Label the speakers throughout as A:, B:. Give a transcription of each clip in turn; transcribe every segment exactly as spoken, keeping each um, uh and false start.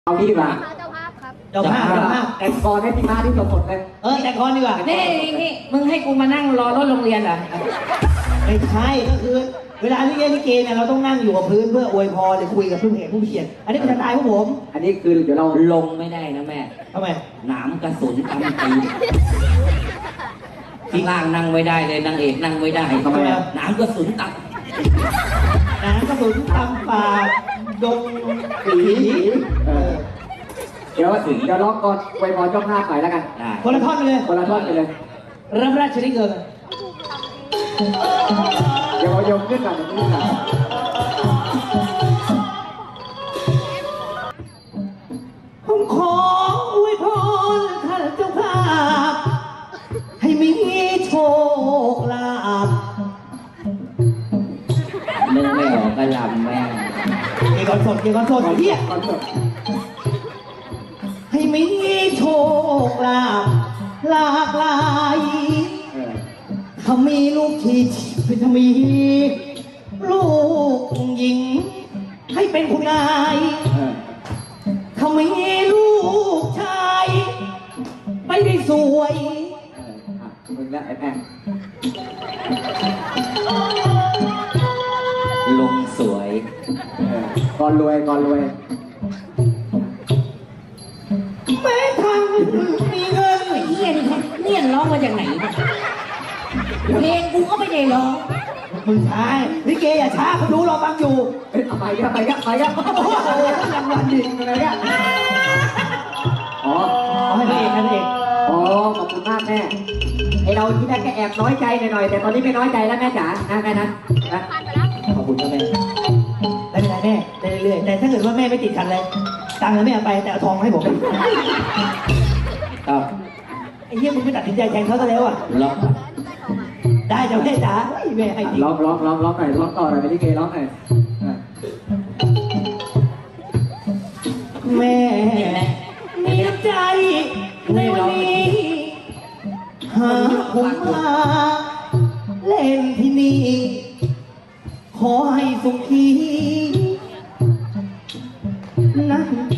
A: เอางี้ดีกว่า
B: เจ้าภาพครับ
C: เจ้าภาพเจ้าภาพ
A: แต่งกรให้พี่ม้าที่สมบทเลย
C: เออแต่งกรดีกว่า
D: นี่นี่มึงให้กูมานั่งรอรถโรงเรียนเหรอ
C: ไม่ใช่ก็คือ เวลาที่เล่นลิเกเนี่ยเราต้องนั่งอยู่กับพื้นเพื่ออวยพรหรือคุยกับผู้เขียนผู้เขียนอันนี้เป็นสไตล์ของผม
A: อันนี้คือเดี๋ยวเรา
D: ลงไม่ได้นะแม่
C: ทำไม
D: หนามกระสุนตำตีนข้างล่างนั่งไม่ได้เลยนางเอกนั่งไม่ได้ทำไมอะหนามกระสุนตับ
C: น้ำกระสุนตำป่าดงผี
A: เออเดี๋ยวถึงเดี๋ยวร้องก่อนไวยพรเจ้าภาพหน่อยแล้วกัน
D: ได้
C: คนละท่อนไปเลย
A: คนละท่อนไปเลย
C: รับราชนิเกิน
A: เดี๋ยวเอาโยมขึ้นก่อนเดี๋ยวขึ้นก่อน
C: ผมขออวยพรท่านเจ้าภาพให้มีโชคลาภ
D: นึกไม่ออกก็ลำแม่
C: เกี่ยวกับสดเกี่ยวกับสดเฮีย
A: ก่อนจบ
C: ให้มีโชคลาภหลากหลาย
A: เออ
C: ถ้ามีลูกที่ถ้ามีลูกหญิง ให้เป็นคุณนาย
A: เออ
C: ถ้ามีลูกชายไม่ได้สวย
A: เอออ่ะมึงแล้วไอ้แพง
D: ลงสวย
A: เออก่อนรวยก่อนรวย
C: แม้ทางมีเงิน
D: เนียนเนียนร้องมาจากไหนเนี่ยเพลงกูก็ไม่ได้ร้อง
C: มึงชายลิเกอย่าช้าเขาดูเราฟังอยู่
A: เอ้ยเอาไปกันไปกันไปกัน
C: โอ้โหรางวัลดิ
A: อะไรกันอ๋อ
C: ขอให้พระเอกให้พระเอก
A: อ๋อขอบคุณมากแม่ไอเราที่แรกก็แอบน้อยใจหน่อยๆแต่ตอนนี้ไม่น้อยใจแล้วแม่จ๋านะแม่นะนะ
B: ผ่านไปแล้ว
A: ขอบคุณนะแม่
C: ไม่เป็นไรแม่ได้เรื่อยๆแต่ถ้าเกิดว่าแม่ไม่ติดขัดเลยตังค์ไม่เอาไปแต่เอาทองมาให้ผม
D: ต่อ
C: ไอ้เหี้ยมึงไม่ตัดสินใจแทงเขาซะแล้วอ่ะ
D: ร้อง
C: ได้จ้ะแม่จ๋าเฮ้ยแม่ให้จริง
A: ร้องร้องร้องร้องหน่อยร้องต่อหน่อยไปที่เกร้องหน่อยอ่ะ
C: แม่มีน้ำใจในวันนี้หาผมมาเล่นที่นี่ ขอให้สุขีนะ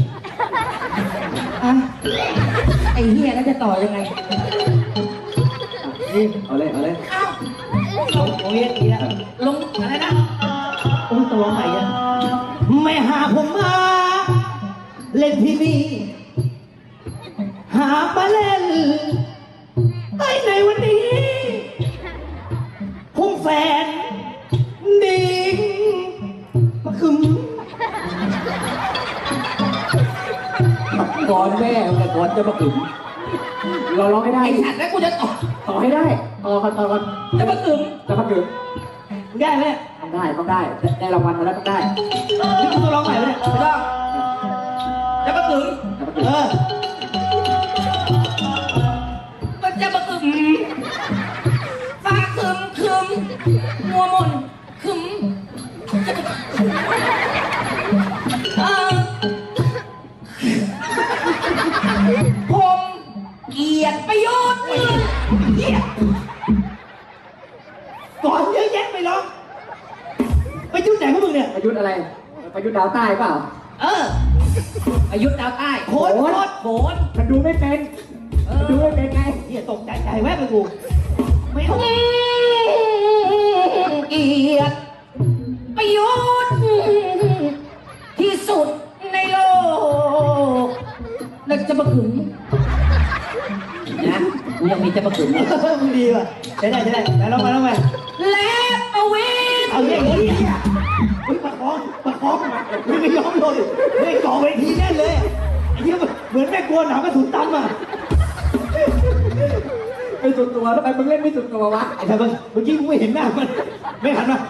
C: อ่ะ
D: ไอ้เฮียแล้วจะต่อยังไง
A: นี่เอาเลยเอาเลย
C: ลงโอ้ยอีกแล้ว
D: ลงอะไรนะ
C: โอ้ยตัวใหม่อะไม่หาผมมา เล่นที่นี่ หามาเล่นไอ้ในวันนี้คงแฟนดิ่งมาคึม
D: ก่อนแม่แต่ก่อนจะมาถึง
A: เราร้องให้ได้
D: ไอ้สัตว์แล้วกูจะต่อ
A: ต่อให้ได้ต่อกันต่อกัน
D: จะมาถึง
A: จะพักเกิด
C: ได้ไหม
A: ต้องได้ต้องได้ได้รางวัลมาแล้วต้องได้
C: นี่คุณต้องร้องใหม่ไหมเนี่ย
D: ไม่ต้องจะมาถึง
A: จะพักเกิ
C: เอ
A: ด
C: อ
D: ก็จะมาถึงฟ้าคึมคึมมัวมนคึมเออผมเกลียดประโยชน์เกลียด
C: ก่อนเยอะแยะไปร้องไปยุ่งไหนพวกมึงเนี่ย
A: ประยุทธ์อะไรประยุทธ์ดาวใต้เปล่า
D: เอออายุดดาวใต้
C: โคตรโคตร
D: โขน
A: มันดูไม่เป็นมันดูไม่เป็นไง
C: เฮียตกใจใจแวบไปกูไม่เอา
D: เกลียดประโยชน์ที่สุดในโลกแล้วจะมาขึงนะกูยังมีจะมาขึง
C: เออมึงดีว่ะใช้ได้ใช้ได้แต่ร้องมาร้องมา
D: และประเวท
C: เอาอย่างนี้อ่ะเฮ้ยประคองประคองมึงไม่ยอมเลยเฮ้ยก่อเวทีแน่เลยอะไอ้เหี้ยเหมือนแม่กลัวหนาวกระสุนตั้มอ่ะ
A: ไม่สุดตัวทำไมมึงเล่นไม่สุดตัววะ
C: ไอ้ท่านเมื่อกี้กูไม่เห็นหน้ามันไม่หันมา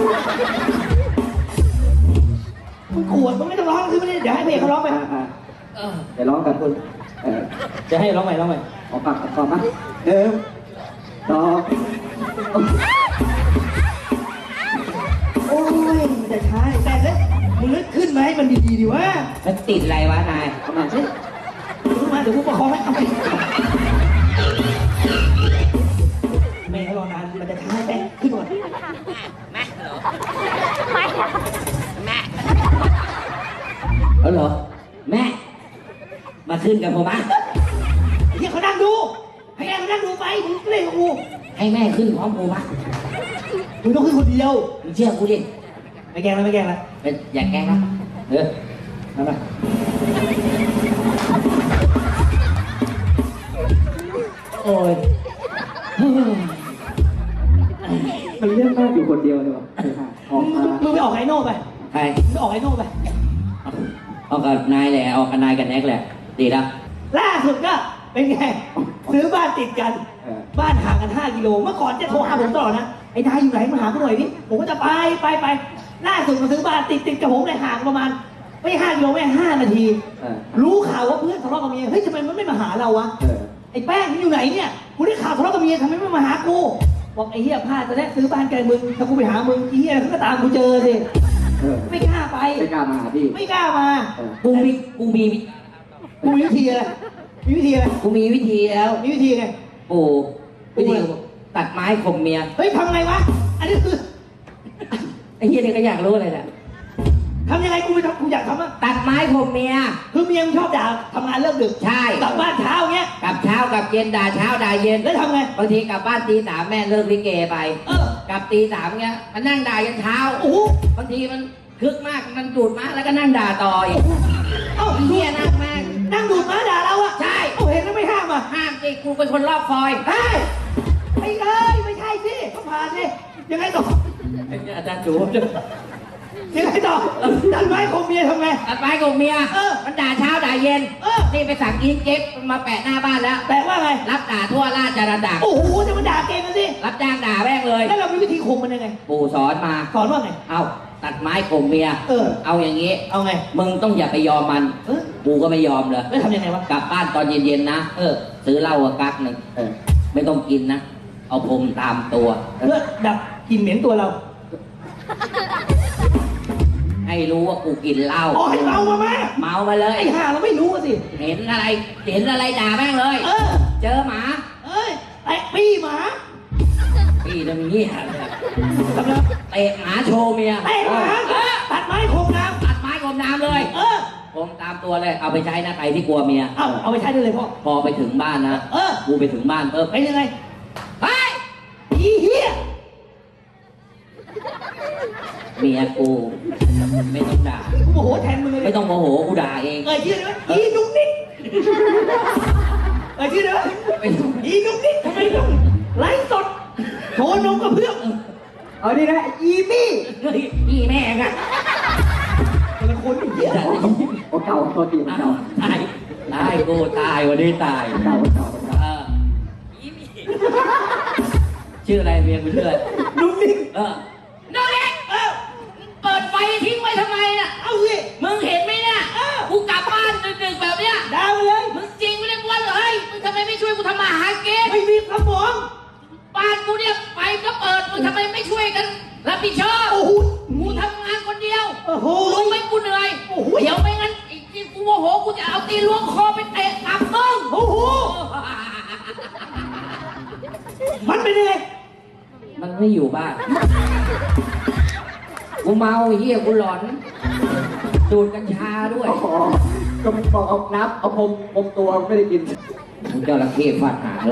C: มึงขวดมึงไม่ต้องร้องคือไม่ได้เดี๋ยวให้เพลงเขาร้องไป
A: อ่าอ่า
D: เออ
A: เดี๋ยวร้องกับคุณเออ
C: จะให้ร้องใหม่ร้องใหม่
A: ขอปากขอก่อนนะเดิมต่อ
C: โอ้ยมันจะช้าแต่เลยมึงนึกขึ้นมาให้มันดีๆดีวะ
D: มันติดอะไรวะนาย
A: เอามาสิ
C: ขึ้นมาเดี๋ยวกูประคองให้เอาไปแม่เขารอนานมันจะช้าแต่ขึ้นก่อน
D: เออเหรอแม่มาขึ้นกับผมอ่ะ
C: ไอ้เหี้ยเขานั่งดูให้แม่เขานั่งดูไปมึงเล่นกับกู
D: ให้แม่ขึ้นพร้อมผมอ่ะ
C: มึงต้องขึ้นคนเดียว
D: มึงเชื่อกูดิ
C: ไม่แกล้งแล้วไม่แกล้งแล้ว
D: เป็นอย่าแกล้งนะเออมามา
C: โอ้ย
A: มันเรื่องมากอยู่คนเดียวเลยวะออกมา
C: มึงไปออกไอโน่ไป
D: ใคร
C: มึงไปออกไอโน่ไป
D: เอากับนายแหละเอากับนายกับแน็กแหละดีแล้ว
C: ล่าสุดก็เป็นไงซื้อบ้านติดกัน
A: เออ
C: บ้านห่างกันห้ากิโลเมื่อก่อนจะโทรหาผมตลอดนะไอ้นายอยู่ไหนมาหาผมหน่อยดิผมก็จะไปไปไปล่าสุดมาซื้อบ้านติดติดกับผมเลยห่างประมาณไม่ห้ากิโลไม่ห้านาที
A: เออ
C: รู้ข่าวว่าเพื่อนทะเลาะกับเมียเฮ้ยทำไมมันไม่มาหาเราวะ
A: เออ
C: ไอ้แป้งมันอยู่ไหนเนี่ยกูได้ข่าวทะเลาะกับเมียทำไมไม่มาหากูบอกไอ้เหี้ยพลาดจะได้ซื้อบ้านไกลมึงถ้ากูไปหามึงไอ้เหี้ยเขาก็ตามกูเจอสิ
A: เออ
C: ไม่กล้าไป
A: ไม่กล้ามาหาพี่
C: ไม่กล้ามา
A: เออ
D: กูมีกูมี
C: กูมีวิธีอะไรมีวิธีอะไร
D: กูมีวิธีแล้ว
C: มีวิธีไง
D: กูวิธีตัดไม้ข่มเมีย
C: เฮ้ยทำไงวะอันนี้คือ
D: ไอ้เหี้ยนี่ก็อยากรู้เลยแหละ
C: ทำยังไงกูไปทำกูอยากทำอ่ะ
D: ตัดไม้ข่มเมีย
C: คือเมียมึงชอบด่าทำงานเลิกดึก
D: ใช่
C: กลับบ้านเช้าเงี้ย
D: กลับเช้ากลับเย็นด่าเช้าด่าเย็น
C: แล้วทำไง
D: บางทีกลับบ้านตีสามแม่เลิกลิเกไป
C: เออก
D: ลับตีสามเงี้ยมันนั่งด่ายันเช้า
C: โอ้โห
D: บางทีมันคึกมากมันดูดมากแล้วก็นั่งด่าต่ออีก
C: เอ้า
D: ไอ้เหี้ยนั่งแม่ง
C: นั่งดูดม้าด่าเราอ่ะ
D: ใช่
C: เอาเห็นแล้วไม่ห้ามอ่ะ
D: ห้ามสิกูเป็นคนรอบคอย
C: เฮ้ยไม่เอ้ยไม่ใช่สิต้องผ่านสิยังไงต่อ
D: อาจารย์จู
C: ยังไงต่อดันไม้คมเมียทำไง
D: ตัดไม้ข่มเมีย
C: เออ
D: มันด่าเช้าด่าเย็น
C: เออ
D: นี่ไปสั่งอีเจ็บมาแปะหน้าบ้านแล้ว
C: แต่ว่าไง
D: รับด่าทั่วราชอาณาจักร
C: โอ้โหจะมาด่าเก่งกันสิ
D: รับจ้างด่าแม่งเลย
C: แล้วเรามีวิธีคุมมันยังไง
D: ปู่สอนมา
C: สอนว่าไง
D: เอาตัดไม้ข่มเมีย
C: เออ
D: เอาอย่างนี้
C: เอาไง
D: มึงต้องอย่าไปยอมมัน
C: เออ
D: กูก็ไม่ยอมเลย
C: แล้วทำยังไงวะ
D: กลับบ้านตอนเย็นๆนะ เออ ซื้อเหล้ากับกั๊กหนึ่ง
A: เออ
D: ไม่ต้องกินนะ เอาพรมตามตัว
C: เพื่อดับกลิ่นเหม็นตัวเรา
D: ให้รู้ว่ากูกินเหล้า
C: อ๋อให้เมามาแม่
D: เมามาเลย
C: ไอ้ห่าเราไม่รู้อะสิ
D: เห็นอะไร เห็นอะไรด่าแม่งเลย
C: เออ
D: เจอหมา
C: เอ้ยไอ้ปี้หมา
D: พี่ตรงนี้
C: ทำไง
D: เตะหมาโชว์เมีย
C: เตะหมาตัดไม้โคงน้
D: ตัดไม้ข่มน้ำเลย
C: ำเออ
D: ผมตามตัวเลย เอาไปใช้นะใครที่กลัวเมีย
C: เอาเอาไปใช้ได้เลยพ่อ
D: พอไปถึงบ้านนะ
C: เออ
D: กูไปถึงบ้านปุ๊บ
C: เป็นยังไง
D: เฮ้ย
C: อีเหี้ย
D: เมียกูไม่ต้องด่า
C: กูโมโหแทนมึงเลย
D: ไม่ต้องโมโหกูด่าเอง
C: เอ่ยชื่อได้ไหมอีนุ๊กนิกเอ่ยชื่อได้ไหม
D: ไม่ต้อง
C: อีนุ๊กนิกทำไมต้องไลฟ์สดโชว์นมกับเพื่อน
A: เอาดินะอีมี่
D: เฮ้ยพี่แม่งอะ
C: เป็นคนอีเหี้ย
A: โอ้เก่าตัวตีมันเก่า
D: ตายตายกูตายวันนี้ตาย
A: เก่าเก่าเก่า
D: เออชื่ออะไรเมียกูชื่ออะไร
C: นุ๊กนิก
D: เออน้องเล็ก
C: เอ้า
D: เปิดไฟทิ้งไว้ทำไมน่ะ
C: เอาสิ
D: มึงเห็นไหมเนี่ยกูกลับบ้านดึกๆแบบเนี้ย
C: ดาวเลย
D: มึงจริงไม่ได้บ้วนเลยมึงทำไมไม่ช่วยกูทำมาหากิน
C: ไม่มีสมอง
D: บ้านกูเนี่ยไฟก็เปิดมึงทำไมไม่ช่วยกันรับผิดชอบ
C: โอ้โห
D: กูทำงานคนเดียว
C: โอ้โห
D: รู้ไหมกูเหนื่อย
C: โอ้โห
D: เดี๋ยวไม่งั้นไอ้ที่กูโมโหกูจะเอาตีนล้วงคอไปเตะตับมึง
C: โอ้โหมันเป็นยังไง
D: มันไม่อยู่บ้าน กูเมาไอ้เหี้ยกูหลอน ดูดกัญชาด้วย
A: อ๋อก็มันบอกเอาน้ำเอาพรมพรมตัวไม่ได้กิน
D: มึงเจ้าระเข้ฟาดหาเลย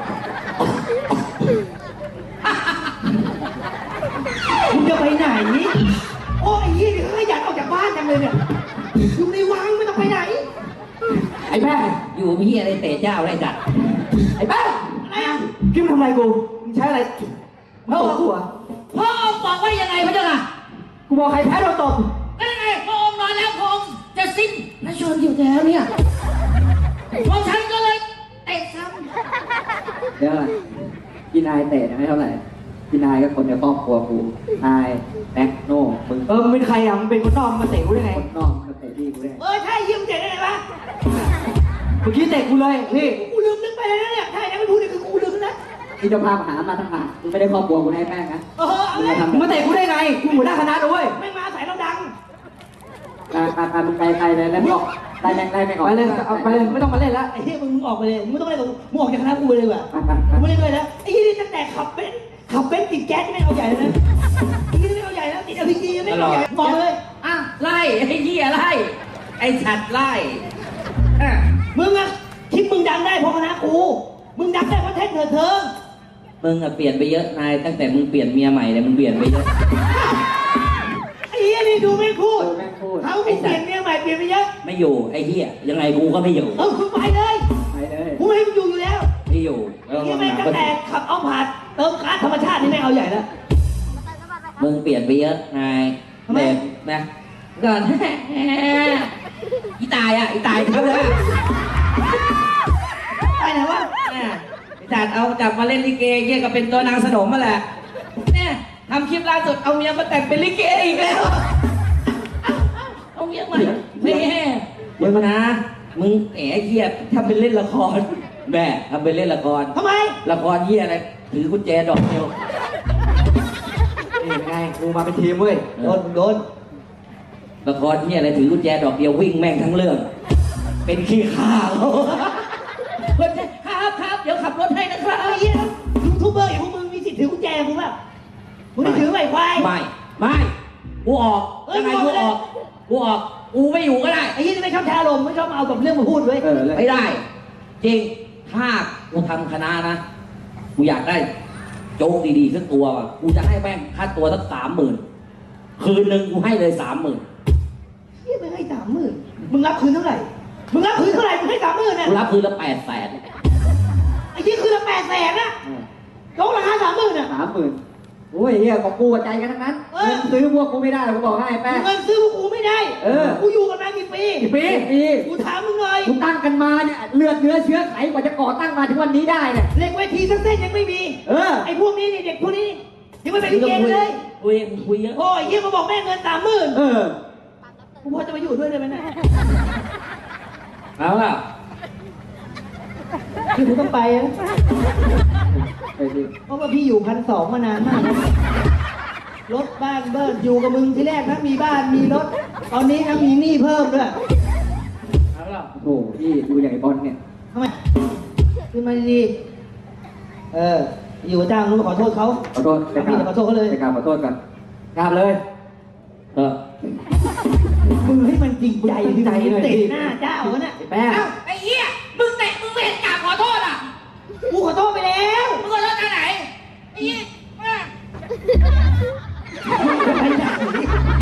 C: มึงจะไปไหนโอ้ยยี่นี่เขาอยากออกจากบ้านจังเลยเนี่ยอยู่ในวังไม่ต้องไปไหน
A: ไอ้แม่
D: อยู่มีเหี้ยอะไรเตะเจ้าอะไรจัด
A: ไอ้แม่
C: อะไรอ่ะ
A: คิดมึงทำอะไรกูมึงใช้อะไรมึงตบกูเหรอ
D: พ่อองค์บอกว่ายังไงพระเจ้าค่ะ
A: กูบอกใครแพ้โดนตบ
D: ก็ยังไงพระองค์นอนแล้วพระองค์จะสิ้นพระชนอยู่แล้วเนี่ยพอฉันก็เลยเตะซ้
A: เดี๋ยวก่อนพี่นายเตะนะไม่เท่าไหร่พี่นายก็คนในครอบครัวกูนายแม็กโน่มึง
C: เออมึงเป็นใครอ่ะมึงเป็นคนนอกมาเตะกูได้ไง
A: คนนอกมาเตะพี่กูได้
C: เออใช่ยืมเตะได้ไงวะ
A: เมื่อกี้เตะกูเลยพี่
C: กูลืมนึกไปแล้วนะเนี่ยถ้าอย่างนั้นไม่พูดเนี่ยคือกูลืมนะ
A: พี่เจะพาพหามาทั้งหามึงไม่ได้ครอบครัวกูให้แม่งนะ
C: เออเอา
A: มึง
C: เล
A: จะ
C: ย
A: ทำมึงมาเตะกูได้ไงกูหัวหน้าคณะด้วย
C: ไม่มาใส่เราดัง
A: อ่าอ่าอ่ามึงไปไปเลยแล้วไม่ออกไล่แม่งไล่แม่งออก
C: ไปเลยเอาไปเลยไม่ต้องมาเล่นละไอ้เหี้ยมึงมึงออกไปเลยมึงไม่ต้องเล่นกับกูมึงออกจากคณะกูไปเลยดีกว่า
A: ไปไปไป
C: กูไม่เล่นด้วยแล้วไอ้เหี้ยนี่ตั้งแต่ขับเบนซ์ขับเบนซ์ติดแก๊สไม่เอาใหญ่เลยนะไอ้เหี้ยนี่ไม่เอาใหญ่แล้วติดอ พี จีไม่เอาใหญ่บอกเลย
D: ำอ่ะไล่ไอ้เหี้ยไล่ ไอ้ฉัดไล่อ่ะ
C: กู มึงดักได้เพราะเทคเถิดเทิง
D: มึงอะเปลี่ยนไปเยอะนายตั้งแต่มึงเปลี่ยนเมียใหม่เนี่ยมึงเปลี่ยนไปเยอะ
C: ไอ้เหี้ยนี่ดูไม่พูด
A: เออแม่งพูด
C: เขากูเปลี่ยนเมียใหม่เปลี่ยนไปเยอะ
D: ไม่อยู่ไอ้เหี้ยยังไงกูก็ไม่อยู่
C: เออคุณไปเลย
A: ไปเลย
C: กูไม่ให้มึงอยู่อยู่แล้ว
D: ไม่อยู่แล้ว
C: นี่แม่งตั้งแต่ขับเอาผ่านเติมก๊าซธรรมชาตินี่แม่งเอาใหญ่แล้ว
D: มึงเปลี่ยนไปเยอะนาย
C: ทำไม
D: แบบนะก่อน อีตายอ่ะอีตายครับเลย
C: ไปไหนวะ
D: อีตายเอากลับมาเล่นลิเกเยี่ยก็เป็นตัวนางสนมมาแหละเนี่ยทำคลิปล่าสุดเอาเมียมาแต่งเป็นลิเกอีกแล้ว เอาเมียใหม่นี่เดี๋ยวมานะ มึงแหมเยี่ยทำเป็นเล่นละครแม่ทำเป็นเล่นละคร
C: ทำไม
D: ละครเยี่ยอะไรถือกุญแจดอกเดียว
A: นี่ไงกูมาเป็นทีมเว้ย
C: โดนโดน
D: ละครเยี่ยอะไรถือกุญแจดอกเดียววิ่งแม่งทั้งเรื่อง เป็นขี้ข้าเขาคนจะครับครับเดี๋ยวขับรถให้นะครับ
C: ไอ้เหี้ยยูทูบเบอร์อย่างพวกมึงมีสิทธิ์ถือกุญแจกูแบบมึงไม่ถือไหมควาย
D: ไม่ไม่กูออก
C: เอ้ย
D: ยังไง
C: มึ
D: กู
C: งอ
D: อ
C: อ
D: อก กกูออกกูไม่อยู่ก็ได้
C: ไอ้ยี่นี่ไม่ชอบแชร์ลมณ์ไม่ชอบมาเอากับเรื่องมาพูดเว้ย
A: เออเลย
D: ไม่ได้ จริงถ้ากูทำคณะนะกูอยากได้โจ๊กดีๆสักตัวว่ะกูจะให้แม่งค่าตัวสักสามหมื่นคืนหนึ่งกูให้เลยสามหมื่น
C: เฮียไม่ให้สามหมื่นมึงรับคืนเท่าไหร่มึงรับคืนเท่าไหร่มึงให้สามหมื่นเนี่ย
D: กูรับคืนละแปดแสน
C: ไอ้ยี่คืนละแปดแสนนะยกราคาสามหมื่นอ่ะ
A: สามหมื่นโอ้ยเฮียของกูกับใจกันทั้งนั้น
C: เออ
A: เงินซื้อพวกกูไม่ได้หรอกกูบอกให้แป้ง
C: เงินซื้อพวกกูไม่ได้
A: เออ
C: กูอยู่กันมากี่ปี
A: กี่ปีปี
C: กูถามมึงหน่อย
A: กูตั้งกันมาเนี่ยเลือดเนื้อเชื้อไขกว่าจะก่อตั้งมาถึงวันนี้ได้เนี่ย
C: เหล็กเวทีสักเส้นยังไม่มี
A: เออ
C: ไอ้พวกนี้นี่เด็กพวกนี้ยังไม่เป็นลิเกเลย
D: คุยคุยเยอะ
C: โอ้ยเฮียมาบอกแม่เงินสามหมื่น
A: เออ
C: กูพอจะมาอยู่ด้วยได้ไหมเนะ
D: เอาล่ะ
C: คือกูต้องไปอะ
A: ไปดิ
C: เพราะว่าพี่อยู่พันสองมานานมากแล้วรถบ้านเบิร์ดอยู่กับมึงที่แรกนะมีบ้านมีรถ ตอนนี้นะมีหนี้เพิ่มด้วย
D: เอาล่ะ
A: โอ้โหพี่ดูอย่างไอ้บอลเนี่ย
C: ทำไมขึ้นมาดีๆเออ อยู่กับจ้างนู้นขอโทษเขา
A: ขอโทษ
C: พี่จะขอโทษเขาเลย
A: ไปกราบขอโทษกันกราบเลย
D: เออ
C: มึงให้มันจริงใจ
A: จริงใจหน่อยดิ
C: เตะหน้าเจ้าวะน่ะ
A: ไอ้แป้ง
C: เอ้าไอ้